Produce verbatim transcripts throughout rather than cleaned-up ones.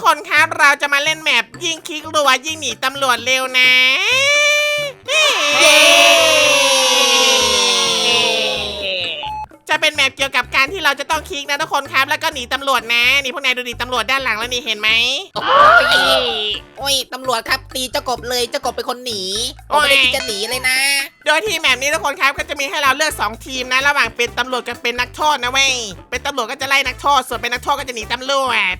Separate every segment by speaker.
Speaker 1: คนครับเราจะมาเล่นแมปยิงคลิกรัวยิงหนีตำรวจเร็วนะเย้จะเป็นแมปเกี่ยวกับการที่เราจะต้องคลิกนะทุกคนครับแล้วก็หนีตำรวจนะนี่พวกนายดูดิตำรวจด้านหลังแล้วนี่เห็นไหม
Speaker 2: โอ้ยโอ้ยตำรวจครับตีเจ้ากบเลยเจ้ากบเป็นคนหนีผมไม่ได้คิดจะหนีเลยนะ
Speaker 1: โดยที่แมปนี้ทุกคนครับก็จะมีให้เราเลือกสองทีมนะระหว่างเป็นตำรวจกับเป็นนักโทษนะเว้ยเป็นตำรวจก็จะไล่นักโทษส่วนเป็นนักโทษก็จะหนีตำรวจ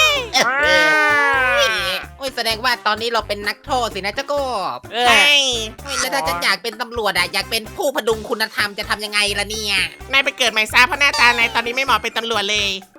Speaker 2: โอ้ยแสดงว่าตอนนี้เราเป็นนักโทษสินะเจ้ากบ
Speaker 1: ใช่
Speaker 2: โอ้ยแล้วถ้าฉันอยากเป็นตำรวจอะอยากเป็นผู้พดุงคุณธรรมจะทำยังไงล่ะเนี่ย
Speaker 1: นายไปเกิดใหม่ซะเพราะหน้าตานายตอนนี้ไม่เหมาะเป็นตำรวจเลย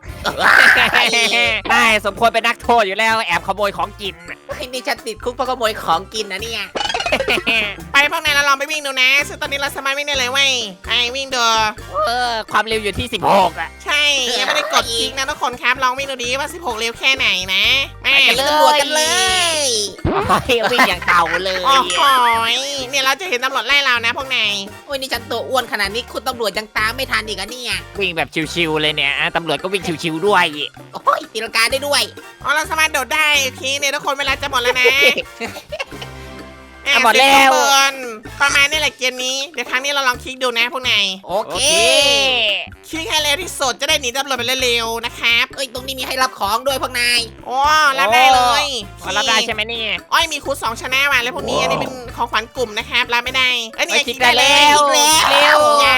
Speaker 3: ได้สมควรเป็นนักโทษอยู่แล้วแอบขโมยของกิน
Speaker 2: โอ้ยนี่ฉันติดคุกเพราะขโมยของกินนะเนี่ย
Speaker 1: ไปพวกนายเราลองไปวิ่งดูนะซึ่งตอนนี้เราสามารถวิ่งได้เลยเว้ยไอ้วิ่งดู
Speaker 3: เออความเร็วอยู่ที่สิบหกอ่ะ
Speaker 1: ใช่ยังไม่ได้กดคลิกนะทุกคนครับลองวิ่งดูดิว่าสิบหกเร็วแค่ไหนนะแม่
Speaker 2: ไปเป็นตำรวจกันเลย
Speaker 3: โอ้ยวิ่งอย่างเต่าเลย
Speaker 1: โอ้โหเนี่ยเราจะเห็นตำรวจไล่เรานะพวกนาย
Speaker 2: โอ้ยนี่ฉันตัวอ้วนขนาดนี้คุณตำรวจยังตามไม่ทันอีกอะเนี่ย
Speaker 3: วิ่งแบบชิวๆเลยเนี่ยอ่ะตำรวจก็วิ่งชิวๆด้วย
Speaker 2: โอ้ยตีลังกาได้ด้วย
Speaker 1: อ๋อเราสามารถโดดได้โอเคเนี่ยทุกคนเวลาจะหมดแล้วนะ
Speaker 3: อ่ะหมดแล้ว
Speaker 1: เบิร์นประมาณนี้แหละเกมนี้เดี๋ยวครั้งนี้เราลองคลิกดูนะพวกนาย
Speaker 2: โอ
Speaker 3: โอ
Speaker 2: เค
Speaker 3: เค
Speaker 1: คลิกให้เร็วที่สุดจะได้หนีตำรวจไปเร็วๆนะครับ
Speaker 2: เอ้ยตรงนี้มีให้รับของด้วยพวกนาย
Speaker 1: โอ้รับได้เลย
Speaker 3: พอรับได้ใช่ไหมเนี่ย
Speaker 1: อ้อยมีคูณสองชนะว่ะแล้วพวกนี้อันนี้เป็นของขวัญกลุ่มนะครับรับไม่ได้เอ้ยนี่
Speaker 3: เอ้ย
Speaker 1: คลิก
Speaker 3: คลิกได้
Speaker 1: ได้เลย
Speaker 3: แล้ว
Speaker 1: คลิก
Speaker 3: เร็ว
Speaker 1: อย่า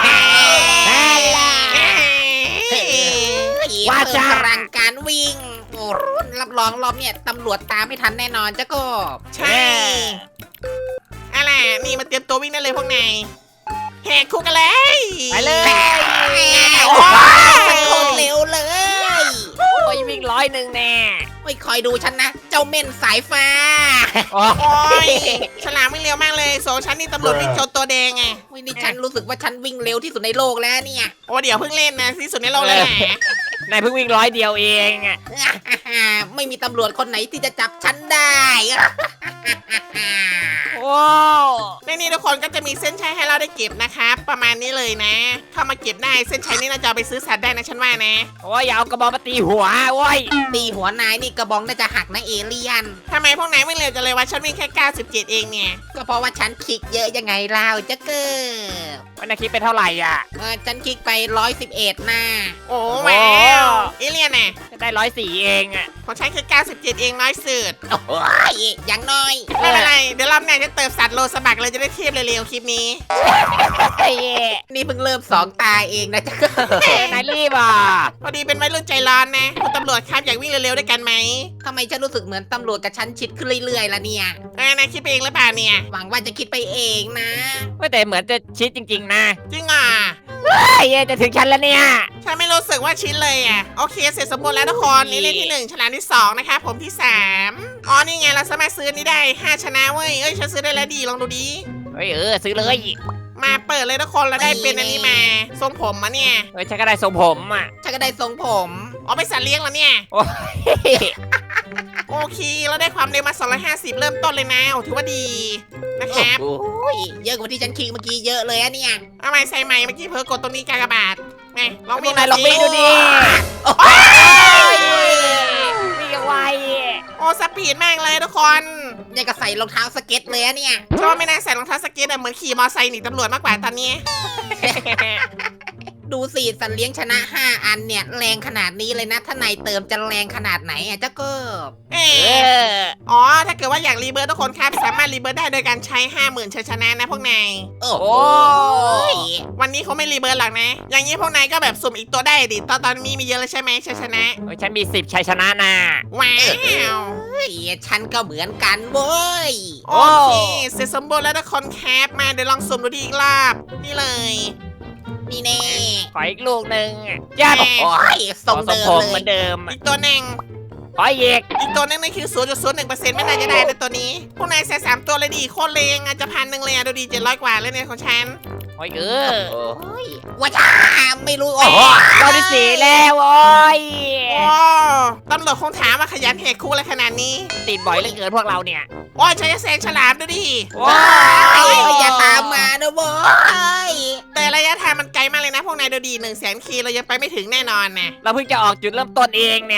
Speaker 3: ว่าจ้า
Speaker 2: เพิ่มพลังการวิ่งโอ้รับรองรอบเนี่ยตำรวจตามไม่ทันแน่นอนเจ้ากบ
Speaker 1: ใช่อะไรนี่มาเตรียมตัววิ่งได้เลยพวกนายแหกคุกกันเลย
Speaker 3: ไปเลย
Speaker 1: โอ้
Speaker 2: ฉัน
Speaker 1: ย
Speaker 2: โคตรเร็วเลย
Speaker 3: โอ้ยวิ่งร้อยหนึ่งแน่
Speaker 2: โอ้ยคอยดูฉันนะ เจ้าเม่นสายฟ้า
Speaker 3: โอ้
Speaker 1: โอ้ยฉลามวิ่งเร็วมากเลยโซฉันนี่ตำรวจวิ่งโจนตัวแดงไง
Speaker 2: โอ้ยนี่ฉันรู้สึกว่าฉันวิ่งเร็วที่สุดในโลกแล้วเนี่ย
Speaker 1: โอ้เดี๋ยวเพิ่งเล่นนะที่สุดในโลกเลยแหละ
Speaker 3: นายเพิ่งวิ่งร้อยเดียวเองอ่ะ
Speaker 2: ไม่มีตำรวจคนไหนที่จะจับฉันได้
Speaker 3: โอ้
Speaker 1: ในนี้ทุกคนก็จะมีเส้นชัยให้เราได้เก็บนะครับประมาณนี้เลยนะเข้ามาเก็บได้เส้นชัยนี่เราจะเอาไปซื้อสัตว์ได้นะฉันว่านะ
Speaker 3: โอ้ยอย่าเอากระบอกมาตีหัวโอ้ย
Speaker 2: ตีหัวนายนี่กระบองน่าจะหักนะเอเลี่ยน
Speaker 1: ทำไมพวกนายวิ่งเร็วจังเลยว่าฉันวิ่งแค่เก้าสิบเจ็ดเองเนี่ย
Speaker 2: ก็เพราะว่าฉันคลิกเยอะยังไงเล่าจะเกิด
Speaker 3: วันนาคิดไปเท่าไหร่อ่ะ
Speaker 2: เออฉันคลิกไปร้อยสิบเอ็ดหน้า
Speaker 1: โอ้ว้าวเอเลียนน่ะ
Speaker 3: จะได้ร้อยสี่เองอ่ะ
Speaker 1: ของฉันคือเก้าสิบเจ็ดเองน้อยสุด
Speaker 2: โอ้ยอย่างน้อย
Speaker 1: ไม่เป็นไรเดี๋ยวรอบหน้าจะเติมสัตว์โลสบักเลยจะได้เทียบเร็วๆคลิปนี้
Speaker 3: เฮ้ย
Speaker 2: นี่เพิ่งเริ่มสองตาเองนะจะเกิด
Speaker 3: นายรีบอ่ะ
Speaker 1: พอดีเป็นวัยรุ่นใจร้อนนะคุณตำรวจครับอยากวิ่งเร็วๆด้วยกันไหม
Speaker 2: ทำไมฉันรู้สึกเหมือนตำรวจกับฉันชิดขึ้นเรื่อยๆล่ะเนี่ย
Speaker 1: เออนายคิดไปเองหรือเปล่าเนี่ย
Speaker 2: หวังว่าจะคิดไปเองนะ
Speaker 3: ว่าแต่เหมือนจะชิดจริงๆนะ
Speaker 1: จริงอ่ะ
Speaker 3: เฮ้ยจะถึงฉันแล้วเนี่ย
Speaker 1: ฉันไม่รู้สึกว่าชิ้นเลยอ่ะโอเคเสร็จสมบูรณ์แล้วทุกคนนี่เล่นที่หนึ่งฉลามที่สองนะคะผมที่สามอ๋อนี่ไงเราสามารถซื้อนี้ได้ห้าชนะเว้ยเอ้ยฉันซื้อได้แล้วดีลองดูดิ
Speaker 3: เฮ้ยเออซื้อเลย
Speaker 1: มาเปิดเลยทุกคนแล้วได้เป็นอันนี้มาทรงผมมาเนี่ย
Speaker 3: เฮ้ยฉันก็ได้ทรงผมอ่ะ
Speaker 2: ฉันก็ได้ทรงผม
Speaker 1: อ๋อไปนสัตว์เลี้ยงแล้วเนี่ย
Speaker 3: โอ้ย
Speaker 1: โอเคเราได้ความเร็วมาสองร้อยห้าสิบเริ่มต้นเลยนะโอ้ถือว่าดีนะครับ
Speaker 2: โอ้ยเยอะกว่าที่ฉันคลิกเมื่อกี้เยอะเลยอะเนี่ย
Speaker 1: เอาใหม่ใส่ใหม่เมื่อกี้เพิ่งกดตรงนี้กากบาทไงลอง
Speaker 3: พว
Speaker 1: วิ่
Speaker 3: ก
Speaker 1: ง
Speaker 3: นายลองวิ่งดูดิ
Speaker 2: โอ้ย
Speaker 3: วิ่งยังไว
Speaker 1: โอ้สปีดมากเลยทุกคน
Speaker 2: ยังกับใส่รองเท้าสเก็ตเลยอะเนี่ย
Speaker 1: ชอบไม่น่าใส่รองเท้าสเก็ตอะเหมือนขี่มอไซค์หนีตำรวจมากกว่าตอนนี้
Speaker 2: ดูสิสัตว์เลี้ยงชนะห้าอันเนี่ยแรงขนาดนี้เลยนะ ถ้านายเติมจะแรงขนาดไหนอ่ะเจ้าเกิบ
Speaker 1: เอ
Speaker 3: เอ
Speaker 1: อ
Speaker 3: อ
Speaker 1: อ๋อถ้าเกิดว่าอยากรีเบิร์ตทุกคนครับสามารถรีเบิร์ตได้โดยการใช้ห้าหมื่นชัยชนะนะพวกนาย
Speaker 2: โอ้
Speaker 3: โอ้
Speaker 2: ย
Speaker 1: วันนี้เขาไม่รีเบิร์ตหรอกนะ อย่างนี้พวกนายก็แบบสุ่มอีกตัวได้ดิตอนตอนมีมีเยอะเลยใช่ไหมชัยชนะ
Speaker 3: เฮ้ยฉันมีสิบชัยชนะนะ
Speaker 1: ว้าว
Speaker 2: เฮ้ยฉันก็เหมือนกันเว้ย
Speaker 1: โอเคเสร็จสมบูรณ์แล้วทุกคนครับมาเดี๋ยวลองสุ่มดูดีอีกรอบนี่เลย
Speaker 2: นี่แน่
Speaker 3: ขออีกลูกหนึ่งยัด
Speaker 2: โอ้ยทรง
Speaker 3: ขอ
Speaker 2: เดิม
Speaker 3: ผม
Speaker 2: เล
Speaker 3: เหมื
Speaker 2: ย
Speaker 3: อนเดิม
Speaker 1: อีกตัวหนึ่ง
Speaker 3: ขออีก
Speaker 1: อีกตัวนึงนั่นคือ ศูนย์จุดศูนย์หนึ่งเปอร์เซ็นต์ ไม่น่าจะได้นะตัวนี้ พวกนายใส่สามตัวเลยดีโคตรเลงอาจจะพันหนึ่งเลยอะดูดีเจ็ดร้อยกว่าเลยเนี่ยของฉัน
Speaker 3: โอ้ยเออ
Speaker 2: โอ้ยว่าจ้าไม่รู้โอ้โห
Speaker 3: รอบที่สี่แล้วโอ้ย
Speaker 1: โอ้ตำรวจคงถามว่าขยันแหกคุกอะไรขนาดนี้
Speaker 3: ติดบ่อยเหลือเกินพวกเราเนี่ย
Speaker 1: โอ้ยใช้แซงฉลามดูดิ
Speaker 3: ว้า
Speaker 2: เอ้
Speaker 3: วย
Speaker 2: อย่าตามมานะเว้ย
Speaker 1: แต่ระยะทางมันไกลมากเลยนะพวกนายดูดีหนึ่งแสนคีเรายังไปไม่ถึงแน่นอนนะ
Speaker 3: เราเพิ่งจะออกจุดเริ่มต้นเองเนี่ย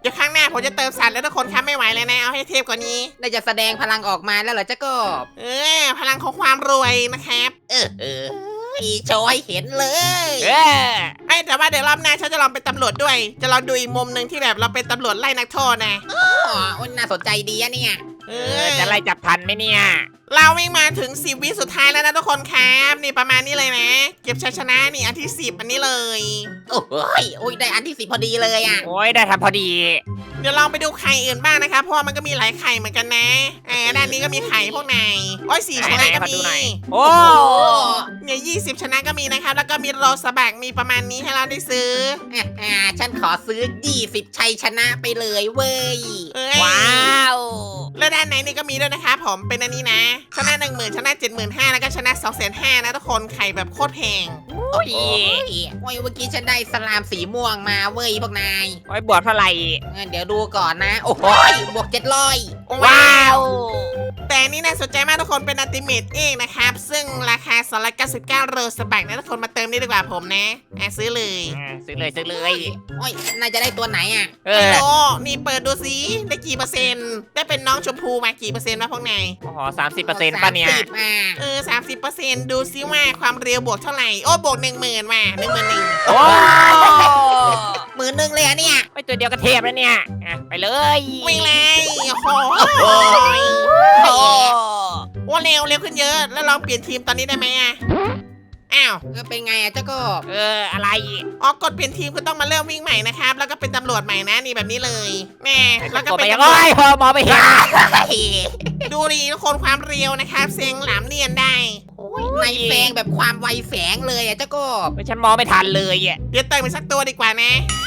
Speaker 1: ดี๋ยวครั้งหน้าผมจะเติมสัตว์แล้วทุกคนครับไม่ไหวเลยนะเอาให้เทพกว่านี้
Speaker 2: น่าจะแสดงพลังออกมาแล้วเหรอเจ้ากบ
Speaker 1: เออพลังของความรวยนะครับ
Speaker 2: เออเออโชว์ให้เห็นเลย
Speaker 3: เออ
Speaker 1: ไอ้ยแต่ว่าเดี๋ยวรอบหน้าฉันจะลองเป็นตำรวจด้วย จะลองดูอีกมุมหนึ่งที่แบบเราเป็นตำรวจไล่นักโทษนะ
Speaker 2: อ๋อน่าสนใจดีอะเนี่ย
Speaker 1: เอ
Speaker 3: เอ
Speaker 1: อ
Speaker 3: อจะไล่จับทันไหมเนี่ย
Speaker 1: เราวิ่งมาถึงสิบวิสุดท้ายแล้วนะทุกคนครับนี่ประมาณนี้เลยนะ เก็บชัยชนะนี่อันที่สิบอันนี้เลย
Speaker 2: โอ้ยโอ้ยได้อันที่สิบพอดีเลยอ่ะ
Speaker 3: โอ้ยได้ทำพอดี
Speaker 1: เดี๋ยวลองไปดูไข่อื่นบ้างนะครับเพราะว่ามันก็มีหลายไข่เหมือนกันนะเออด้านนี้ก็มีไข่พวกไหนโอ้ยสี่ชนะก็
Speaker 3: ไหนๆขอ
Speaker 1: มี
Speaker 3: ดูหน่อย โอ้
Speaker 1: เนี่ยยี่สิบชนะก็มีนะครับแล้วก็มีโรสบักมีประมาณนี้ให้เราได้ซื้อ
Speaker 2: อ่าฉันขอซื้อยี่สิบชัยชนะไปเลยเว้ย
Speaker 1: เอ้ย
Speaker 3: ว้าว
Speaker 1: แล้วด้านไหนนี่ก็มีด้วยนะครับผมเป็นอันนี้นะชนะหนึ่งหมื่นชนะเจ็ดหมื่นห้าแล้วก็ชนะสองแสนห้านะทุกคนไข่แบบโคตรแพง
Speaker 3: โอ้ย
Speaker 2: โอ้ยโอ้ยเมื่อกี้ฉันได้สลามสีม่วงมาเว้ยพวกนาย
Speaker 3: โอ้ยบวกเท่าไหร่
Speaker 2: เออเดี๋ยวดูก่อนนะ โอ้โหบวกเจ็ดร้อย
Speaker 3: ว้าว
Speaker 1: แต่อันนี่น่าสนใจมากทุกคนเป็นอัลติเมทเองนะครับซึ่งราคาสองร้อยเก้าสิบเก้าโรสบักนะทุกคนมาเติมนี่ดีกว่าผมนะอ่ะซื้อเลย
Speaker 3: อ่าซื้อเลยซื้อเลย
Speaker 2: โอ้ยน่าจะได้ตัวไหนอ่ะ
Speaker 3: เอ
Speaker 1: ไม่
Speaker 3: อ
Speaker 1: รู้นี่เปิดดูสิได้กี่เปอร์เซ็นต์ได้เป็นน้องชมพูมากี่เปอร์เซ็นต์วะพวกนาย
Speaker 3: โอ้โหสามสิบเปอร์เซ็นต์ป่ะเนี่ย
Speaker 2: สามสิบอ่ะ
Speaker 1: เออสามสิบเปอร์เซ็นต์ดูซิว่าความเร็วบวกเท่าไหร่โอ้บวกหนึ่งหมื่นมาหนึ่งหมื่นหนึ่ง
Speaker 3: โอ้
Speaker 2: หมื่นหนึ่งเลยอะเนี่ย
Speaker 3: ไม่ตัวเดียวก็เทพแล้วเนี่ยอ่ะไปเลย
Speaker 1: วิ่งเลยโอ้โห
Speaker 3: โอ้
Speaker 1: โอ้เร็วเร็วขึ้นเยอะแล้วลองเปลี่ยนทีมตอนนี้ได้ไหมอ่ะอ้าว
Speaker 2: เออเป็นไงอะเจ้ากบ
Speaker 3: เอออะไร
Speaker 1: อ๋อกดเปลี่ยนทีมก็ต้องมาเริ่มวิ่งใหม่นะครับแล้วก็เป็นตำรวจใหม่นะนี่แบบนี้เลยแม่แล้วก็
Speaker 3: กด
Speaker 1: เป็
Speaker 3: ไป
Speaker 1: น
Speaker 3: ยัง
Speaker 1: ตำรว
Speaker 3: ไง
Speaker 1: จ
Speaker 3: พอมองไปเห็น
Speaker 1: ดูดิทุกคนความเร็วนะครับเสียงหลามเนียนได้
Speaker 2: โอ้ยในแฝงแบบความไวแฝงเลยอะเจ้ากบ
Speaker 3: ไม่ฉันมองไม่ทันเลยอ่ะ
Speaker 1: เดี๋ยวเติมไปสักตัวดีกว่านะ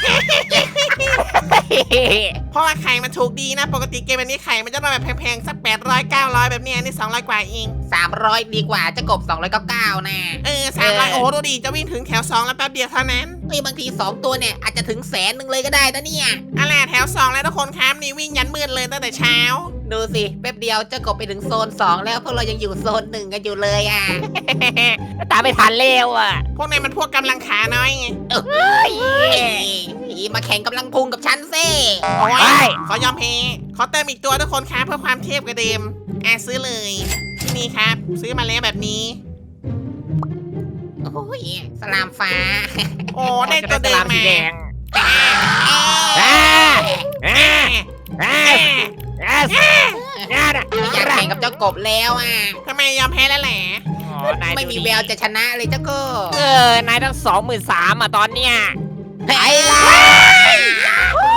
Speaker 1: เพราะว่าไข่มันถูกดีนะ ปกติเกมแบบนี้ไข่มันจะมาแบบแพงๆ สักแปดร้อยเก้าร้อยแบบเนี้ยนี่สองร้อยกว่าเอง
Speaker 2: สามร้อยดีกว่าเจ้ากบสองร้อยเก้าสิบเก้านะ
Speaker 1: เออสามร้อยโอ้โหดูดิจะวิ่งถึงแถวสองแล้วแป๊บเดียวเท่านั้น
Speaker 2: เฮ้ยบางทีสองตัวเนี่ยอาจจะถึงแสนหนึ่งเลยก็ได้นะเนี่ย
Speaker 1: อะไรแถวสองแล้วทุกคนครับนี่วิ่งยันมืดเลยตั้งแต่เช้า
Speaker 2: ดูสิแป๊บเดียวเจ้ากบไปถึงโซนสองแล้วพวกเรายังอยู่โซนหนึ่งกันอยู่เลยอ่ะ
Speaker 3: ตามไม่ทันเร็วอ่ะ
Speaker 1: พวกนายมันพวกกำลังขาน้อยไง
Speaker 2: เฮ้ยมาแข่งกำลังพุงกับฉันเซ่
Speaker 1: โอ้
Speaker 3: ไป
Speaker 1: ยขอยอมแพ้ขอเติมอีกตัวทุกคนครับเพื่อความเทพกระเดิมอ่ะซื้อเลยที่นี่ครับ ซื้อมาแล้วแบบนี้
Speaker 2: โอ้ยสลามฟ้า
Speaker 1: โอ้ได้ตัวเดิม
Speaker 3: สี
Speaker 1: มา
Speaker 3: แดง
Speaker 1: อ่า
Speaker 3: อ่าอ่า
Speaker 1: อ่า
Speaker 3: อ่า
Speaker 1: อ่า
Speaker 3: อ่าอ่า
Speaker 2: ไม่อยากแข่งกับเจ้ากบแล้วอ่ะ
Speaker 1: ทำไมยอมแพ้แล้วแหละ
Speaker 3: อ๋อนาย
Speaker 2: ไม่มี
Speaker 3: ดูดิ
Speaker 2: แววจะชนะเลยเจ้ากบ
Speaker 3: เออนายตั้งสองหมื่นสามอ่ะตอนเนี้ย
Speaker 2: ไปละ
Speaker 1: โอ้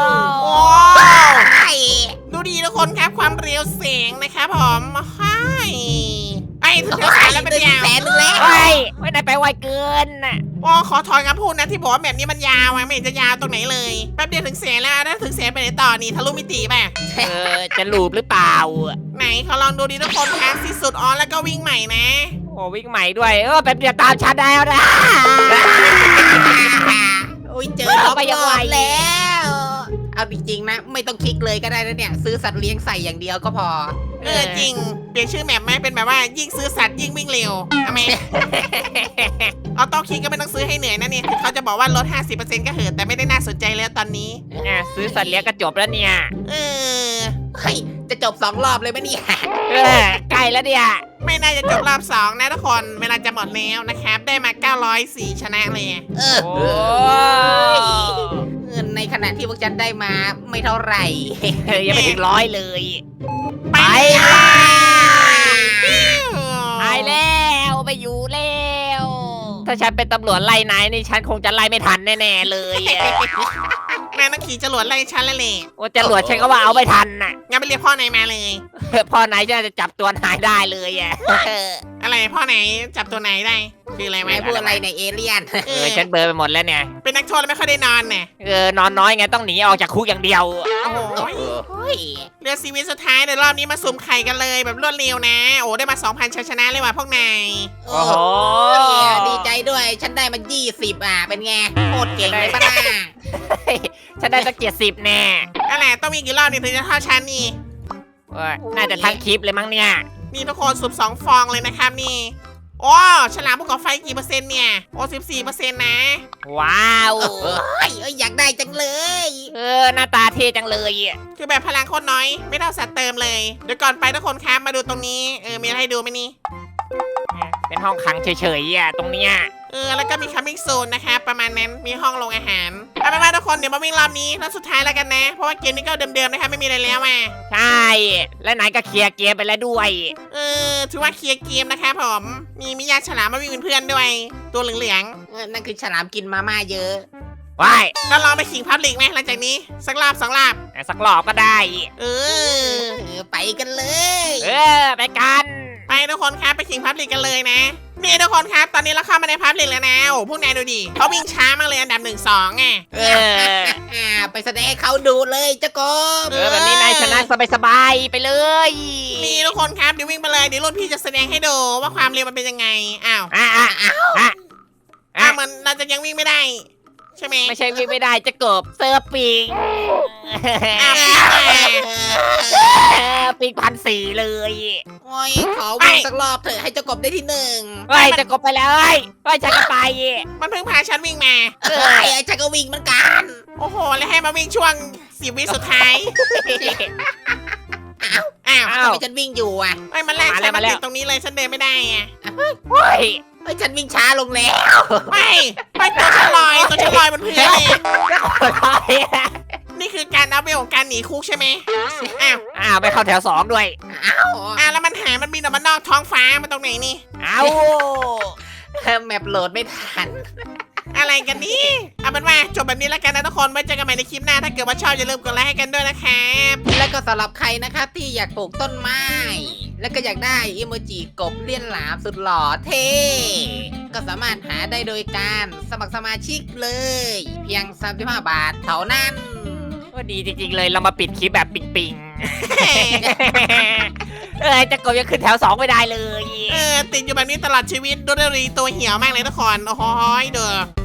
Speaker 2: ไอ้
Speaker 1: ดูดีทุกคนครับความเร็วเสียงนะครับผมใช่ไอ้ถึงแถวสามแล้วเป็นยาว
Speaker 2: แสนหนึ่งแล้ว
Speaker 3: เฮ้ยไม่นายไปไวเกินน่ะ
Speaker 1: โอ้ขอถอนคำพูดนะที่บอกว่าแบบนี้มันยาวอะไม่เห็นจะยาวตรงไหนเลยแป๊บเดียวถึงแสนแล้วถ้าถึงแสนไปไหนต่อนี่ทะลุมิติป่ะ
Speaker 3: เออจะลูบหรือเปล่า
Speaker 1: ไหนเขาลองดูดีทุกคนครับที่สุดอ๋อแล้วก็วิ่งใหม่นะ
Speaker 3: โอ้วิ่งใหม่ด้วยเออแป๊บเดียวตามฉันได้แล้วนะ
Speaker 2: โอ้ยเจอล็อก
Speaker 3: ไปยัง
Speaker 2: ร
Speaker 3: ไง
Speaker 2: อบแล้ว เอาจริงๆนะ ไม่ต้องคลิกเลยก็ได้นะเนี่ย ซื้อสัตว์เลี้ยงใส่อย่างเดียวก็พอ
Speaker 1: เออจริงเปลี่ยนชื่อแมปไหมเป็นแบบว่ายิ่งซื้อสัตว์ยิ่งวิ่งเร็วทำไม เอาต้องคิดก็ไม่ต้องซื้อให้เหนื่อยนะเนี่ยคือเขาจะบอกว่าลด ห้าสิบเปอร์เซ็นต์ ก็เหอะแต่ไม่ได้น่าสนใจแล้วตอนนี้
Speaker 3: เนี่ยซื้อสัตว์เลี้ยงก็จบแล้วเนี่ย
Speaker 1: เออ
Speaker 2: เฮ้ย จะจบสองรอบเลยไหมเนี่ย
Speaker 3: เออใกล้แล้วเนี่ย
Speaker 1: ไม่น่าจะจบรอบสองนะทุกคนเวลาจะหมดแล้วนะครับ ได้มาเก้าร้อยสี่ชนะเลย
Speaker 2: เออ
Speaker 3: โอ้
Speaker 2: เงินในขณะที่พวกฉันได้มาไม่เท่าไหร่
Speaker 3: เออยังไม่ถึงร้อยเลย
Speaker 1: ไป
Speaker 3: ไป
Speaker 1: ปิ้ว
Speaker 3: ตายแล้วไปอยู่แล้ว ถ้าฉันเป็นตำรวจไล่นายนี่ฉันคงจะไล่ไม่ทันแน่ๆเลยอะ
Speaker 1: แม่ต้องขี่จรวดไล่ฉันแล้วเลย
Speaker 3: โอ้จรวดฉันก็ว่าเอาไม่ทันน่ะ
Speaker 1: งั้นไปเรียกพ่อไหนมาเลย
Speaker 3: พ่อนายจะจับตัวนายได้เลยอ่ะ
Speaker 1: อะไรพ่อไหนจับตัวไหนได้คืออะไร
Speaker 2: ไม่
Speaker 1: วะ
Speaker 2: พูดอะไรในเอเลี่ยน
Speaker 1: เอ
Speaker 3: เอ
Speaker 1: อ
Speaker 3: อฉันเบลอไปหมดแล้วเนี่ย
Speaker 1: เป็นนักโทษแล้วไม่ค่อยได้นอนเนี่ย
Speaker 3: เออนอนน้อยไงต้องหนีออกจากคุกอย่างเดียว
Speaker 1: โอ้โห
Speaker 2: เฮ้ย
Speaker 1: เรือซีวิตสุดท้ายเดี๋ยวรอบนี้มาสุ่มไข่กันเลยแบบรวดเร็วนะ โอ้ได้มา สองพัน ชัยชนะเลยว่ะพวกนาย
Speaker 2: โอ้โหดีใจด้วย ฉันได้มายี่สิบอ่ะ เป็นไงโคตรเก่งเลยป้าน่า
Speaker 3: ฉันได้ตั้งเกียรติสิบแน่
Speaker 1: อะไรต้องมีกี่รอบนี่ถึงจะเท่าฉันนี่
Speaker 3: เออน่าจะทั้งคลิปเลยมั้งเนี่ย
Speaker 1: นี่ทุกคนสุ่มสองฟองเลยนะครับนี่โอ้ฉลามภูเขาไฟกี่เปอร์เซ็นต์เนี่ยโอ้สิบสี่เปอร์เซ็นต์นะ
Speaker 3: ว้าว
Speaker 2: เอ้ยเอ้ยอยากได้จังเลย
Speaker 3: เออหน้าตาเท่จังเลยอะ
Speaker 1: คือแบบพลังโคตรน้อยไม่เท่าสัตว์เติมเลยเดี๋ยวก่อนไปทุกคนครับมาดูตรงนี้เออมีอะไรให้ดูไหมนี่
Speaker 3: เป็นห้องขังเฉยๆอ่ะตรงเนี้ย
Speaker 1: เออแล้วก็มีคัมมิ่งโซนนะคะประมาณนั้นมีห้องลงอาหารเอาเป็นว่าทุกคนเดี๋ยวมาวิ่งรอบนี้แล้วสุดท้ายแล้วกันนะ เพราะว่าเกมนี้ก็เดิมๆนะคะไม่มีอะไรแล้วอ่ะ
Speaker 3: ใช่และนายก็เคลียร์เกมไปแล้วด้วย
Speaker 1: เออถือว่าเคลียร์เกมนะคะผมมีมิยาฉลามมาวิ่งเป็นเพื่อนด้วย ตัวเหลือง
Speaker 2: เออนั่นคือฉลามกินมาม่าเยอะ
Speaker 3: ว้าย
Speaker 1: ๆก็ลองไปขิงพับลิกไหมหลังจากนี้สักรอบสองรอบ
Speaker 3: สักรอบก็ได้
Speaker 1: เออ
Speaker 2: เออไปกันเลย
Speaker 3: เออไปกัน
Speaker 1: ไปทุกคนครับไปขิงพับลิกกันเลยนะนี่ทุกคนครับตอนนี้เราเข้ามาในพับลิกแล้วนะโอ้พวกนายดูดิเขาวิ่งช้ามากเลยอันดับหนึ่งสองไง
Speaker 3: เออ
Speaker 2: อ่าไปแสดงให้เขาดูเลยเจ้ากบ
Speaker 3: เออแบบนี้นายชนะสบายๆไปเลย
Speaker 1: นี่ทุกคนครับเดี๋ยววิ่งไปเลยเดี๋ยวรุ่นพี่จะแสดงให้ดูว่าความเร็วมันเป็นยังไงอ้าว
Speaker 3: อ่ะอ่ะอ่ะอ่ะ
Speaker 1: อ้าวมันเราจะยังวิ่งไม่ได้ ใช่ไหม
Speaker 3: ไม่ใช่วิ่งไม่ได้จะกบเซอร์ปิง
Speaker 1: อ้าว
Speaker 3: เออปิงพันสี่เลย
Speaker 2: โอ้ยขอวิ่งสักรอบเถอะให้เจ้ากบได้ที่หนึ่ง
Speaker 3: เฮ้ยจะกบไปแล้วเฮ้ยเฮ้ยฉันก็ไป
Speaker 1: มันเพิ่งพาฉันวิ่งมา
Speaker 2: เออไอ้ฉันก็วิ่งเหมือนกัน
Speaker 1: โอ้โห แล้วให้มาวิ่งช่วงสิบวิสุดท้าย อ้าว
Speaker 3: อ้า
Speaker 2: ทำ
Speaker 3: ว
Speaker 2: ไมฉันวิ่งอยู่อ่ะ
Speaker 1: ไอ้ยมันแรก
Speaker 3: มาแล้
Speaker 1: ฉั
Speaker 3: วน มา
Speaker 1: มา
Speaker 3: แล้ว
Speaker 1: ติดตรงนี้เลยฉันเดินไม่ได้อะ
Speaker 3: เฮ้ย
Speaker 2: เฮ้ยฉันวิ่งช้าลงแล้ว
Speaker 1: ไม่ไม่ตัวฉันลอยตัวฉันลอยบนพื้นเลย นี่คือการอัพเวลของการหนีคุกใช่ไหมอ้าว
Speaker 3: อ้าวไปเข้าแถวสองด้วย
Speaker 2: อ้าว
Speaker 1: อ้าวแล้วมันหายมันบินออกมานอกท้องฟ้ามันตรงไหนนี่
Speaker 3: เอา
Speaker 2: แมปโหลดไม่ทัน
Speaker 1: อะไรกันนี่เอาเป็นว่าจบแบบนี้แล้วกันนะทุกคนไว้เจอกันใหม่ในคลิปหน้าถ้าเกิดว่าชอบอย่าลืมกดไลค์ให้กันด้วยนะครับ
Speaker 2: แล้วก็สำหรับใครนะครับที่อยากปลูกต้นไม้ แล้วก็อยากได้อิโมจิกบเลี้ยนหลามสุดหล่อเท่ก็สามารถหาได้โดยการสมัครสมาชิกเลย เพียงสามสิบห้าบาทเท่านั้น
Speaker 3: ก็ดีจริงๆเลยเรามาปิดคลิปแบบปิงๆ เอ้ยจะกบยังขึ้นแถวสองไม่ได้เลย
Speaker 1: เออติดอยู่แบบนี้ตลอดชีวิตดูดรีตัวเหี่ยวมากเลยทุกคนโอ้โหเด้อ